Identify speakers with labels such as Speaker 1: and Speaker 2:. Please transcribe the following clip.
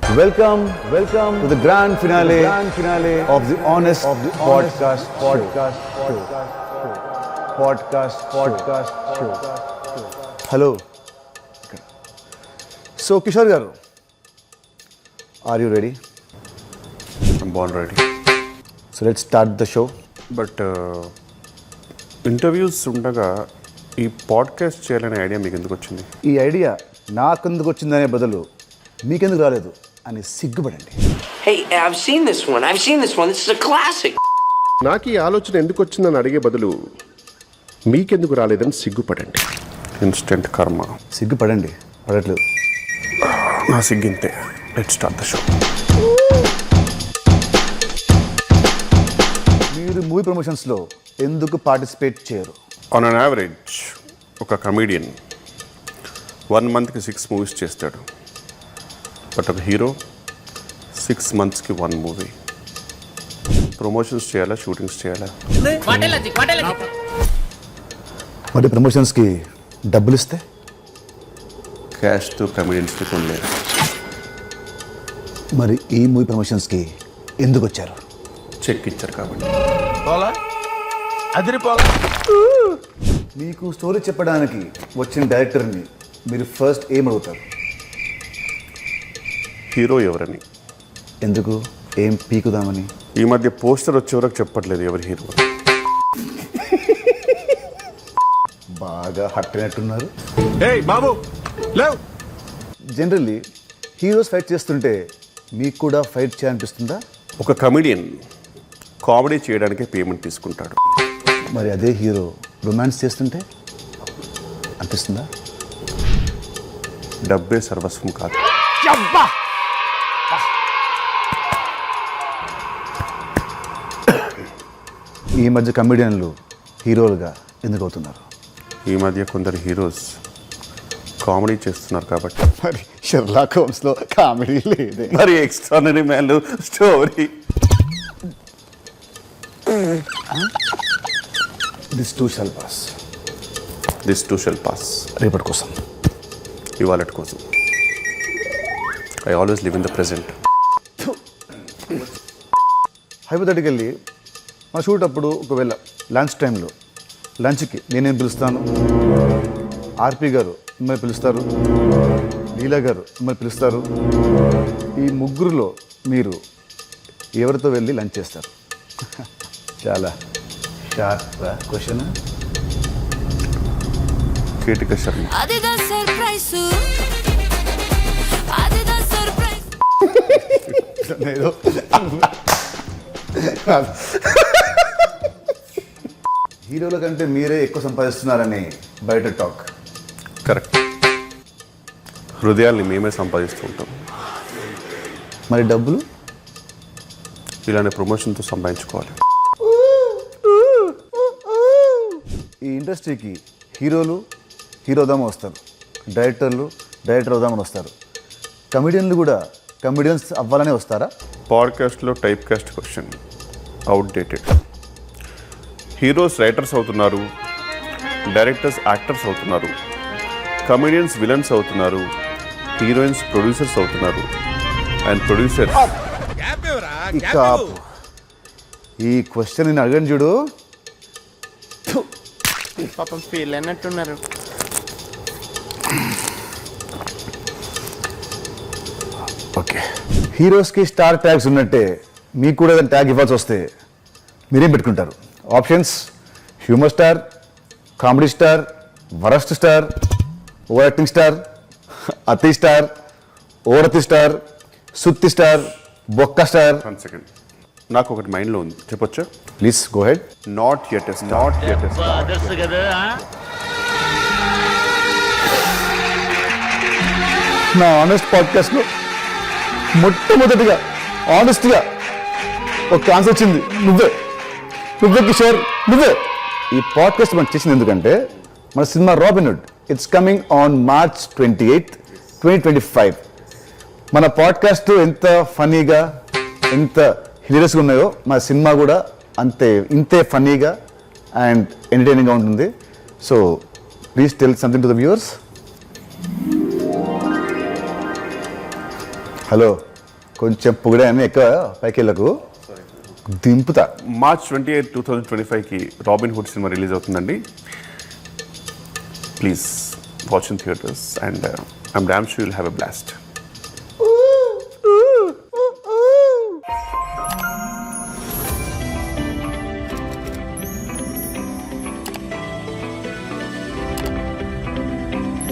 Speaker 1: Welcome to the grand finale of the Honest Podcast Show. Hello. So, Kishore garu, are you ready?
Speaker 2: I'm born ready.
Speaker 1: So, let's start the show.
Speaker 2: But interviews ఉండగా ఈ podcast చేయాలనే idea మీకు ఎందుకు వచ్చింది?
Speaker 1: ఈ idea నాకెందుకు వచ్చిందనే బదులు మీకెందుకు రాలేదు అని సిగ్గుపడండి.
Speaker 3: Hey, I've seen this one. This is a classic.
Speaker 2: నాకు ఈ ఆలోచన ఎందుకు వచ్చిందని అడిగే బదులు మీకెందుకు రాలేదని సిగ్గుపడండి. ఇన్స్టెంట్ కర్మ.
Speaker 1: సిగ్గుపడండి, పడట్లేదు.
Speaker 2: నా సిగ్గింతే. Let's start the show.
Speaker 1: మీరు మూవీ ప్రమోషన్స్లో ఎందుకు పార్టిసిపేట్ చేయరు?
Speaker 2: ఆన్ అన్ యావరేజ్ ఒక కమీడియన్ 1 monthకి 6 movies చేస్తాడు. బట్ ఒక హీరో 6 monthsకి 1 movie. ప్రమోషన్స్ చేయాలా, షూటింగ్స్ చేయాలా?
Speaker 1: మరి ప్రమోషన్స్కి డబ్బులు ఇస్తే
Speaker 2: క్యాష్తో కమీడియన్స్కి కొనలేరు.
Speaker 1: మరి ఈ మూవీ ప్రమోషన్స్కి ఎందుకు వచ్చారు?
Speaker 2: చెక్ ఇచ్చారు కాబట్టి.
Speaker 1: మీకు స్టోరీ చెప్పడానికి వచ్చిన డైరెక్టర్ని మీరు ఫస్ట్ ఏం అడుగుతారు?
Speaker 2: హీరో ఎవరని.
Speaker 1: ఎందుకు? ఏం పీకుదామని?
Speaker 2: ఈ మధ్య పోస్టర్ వచ్చే వరకు చెప్పట్లేదు ఎవరి హీరో.
Speaker 1: బాగా హట్ అయినట్టున్నారు.
Speaker 2: బాబు
Speaker 1: జనరల్లీ హీరోస్ ఫైట్ చేస్తుంటే మీకు కూడా ఫైట్ చేయాలనిపిస్తుందా?
Speaker 2: ఒక కమెడియన్ కామెడీ చేయడానికే పేమెంట్ తీసుకుంటాడు.
Speaker 1: మరి అదే హీరో రొమాన్స్ చేస్తుంటే అనిపిస్తుందా?
Speaker 2: డబ్బే సర్వస్వం కాదు.
Speaker 1: ఈ మధ్య కమెడియన్లు హీరోలుగా ఎందుకు అవుతున్నారు?
Speaker 2: ఈ మధ్య కొందరు హీరోస్ కామెడీ చేస్తున్నారు కాబట్టి.
Speaker 1: మరి షెర్లాక్ హోమ్స్లో కామెడీ లేదే.
Speaker 2: మరి extraordinary man story.
Speaker 1: This too shall pass. రేపటి కోసం,
Speaker 2: ఇవాళ కోసం. I always live in the present.
Speaker 1: Hypothetically మా షూట్ అప్పుడు ఒకవేళ లంచ్ టైంలో లంచ్కి నేనేం పిలుస్తాను, ఆర్పి గారు మిమ్మల్ని పిలుస్తారు, లీలా గారు మిమ్మల్ని పిలుస్తారు. ఈ ముగ్గురులో మీరు ఎవరితో వెళ్ళి లంచ్ చేస్తారు? చాలా షార్ప్ క్వశ్చన్.
Speaker 2: కీర్తిక శర్మ.
Speaker 1: హీరోల కంటే మీరే ఎక్కువ సంపాదిస్తున్నారని బయట టాక్.
Speaker 2: కరెక్ట్. హృదయాల్ని మేమే సంపాదిస్తూ ఉంటాం.
Speaker 1: మరి డబ్బులు
Speaker 2: ఇలానే ప్రమోషన్తో సంపాదించుకోవాలి.
Speaker 1: ఈ ఇండస్ట్రీకి హీరోలు హీరోదామని వస్తారు, డైరెక్టర్ అవుదామని వస్తారు. కమెడియన్లు కూడా కమెడియన్స్ అవ్వాలనే వస్తారా?
Speaker 2: పాడ్కాస్ట్లో typecast question outdated. Heroes writers అవుతున్నారు, డైరెక్టర్స్ యాక్టర్స్ అవుతున్నారు, కమెడియన్స్ విలన్స్ అవుతున్నారు, హీరోయిన్స్ ప్రొడ్యూసర్స్ అవుతున్నారు, అండ్ ప్రొడ్యూసర్స్.
Speaker 1: ఈ క్వశ్చన్ నేను అడగను చూడు.
Speaker 4: పాపం ఫీల్ అయినట్టున్నారు.
Speaker 1: ఓకే, హీరోస్కి స్టార్ ట్యాగ్స్ ఉన్నట్టే మీకు కూడా ఏదైనా ట్యాగ్ ఇవ్వాల్సి వస్తే మీరేం పెట్టుకుంటారు? Options: humour star, comedy star, worst star, over acting star, అతి స్టార్, ఓవరతి స్టార్, సుత్తి స్టార్, బొక్క స్టార్.
Speaker 2: 1 second. నాకు ఒకటి మైండ్లో ఉంది, చెప్పొచ్చా?
Speaker 1: Please go head.
Speaker 2: Not yet.
Speaker 1: నా ఆనెస్ట్ పాడ్కాస్ట్లో మొట్టమొదటిగా ఆనెస్ట్గా ఒక ఆన్సర్ వచ్చింది నువ్వే కిషోర్, నువ్వే. ఈ పాడ్కాస్ట్ మనం చేసింది ఎందుకంటే మన cinema Robin Hood it's coming on March 28, 2025. మన పాడ్కాస్ట్ ఎంత ఫన్నీగా, ఎంత హిలేరియస్గా ఉన్నాయో మన సినిమా కూడా ఇంతే ఫన్నీగా అండ్ ఎంటర్టైనింగ్గా ఉంటుంది. So please tell something to the viewers. Hello, కొంచెం పొగిడాను, ఎక్కువ పైకి వెళ్ళకు, దింపుతా.
Speaker 2: మార్చ్ 28, 2025కి రాబిన్ హుడ్ సినిమా రిలీజ్ అవుతుందండి. Please watch in theatres and I'm damn sure you'll have a blast.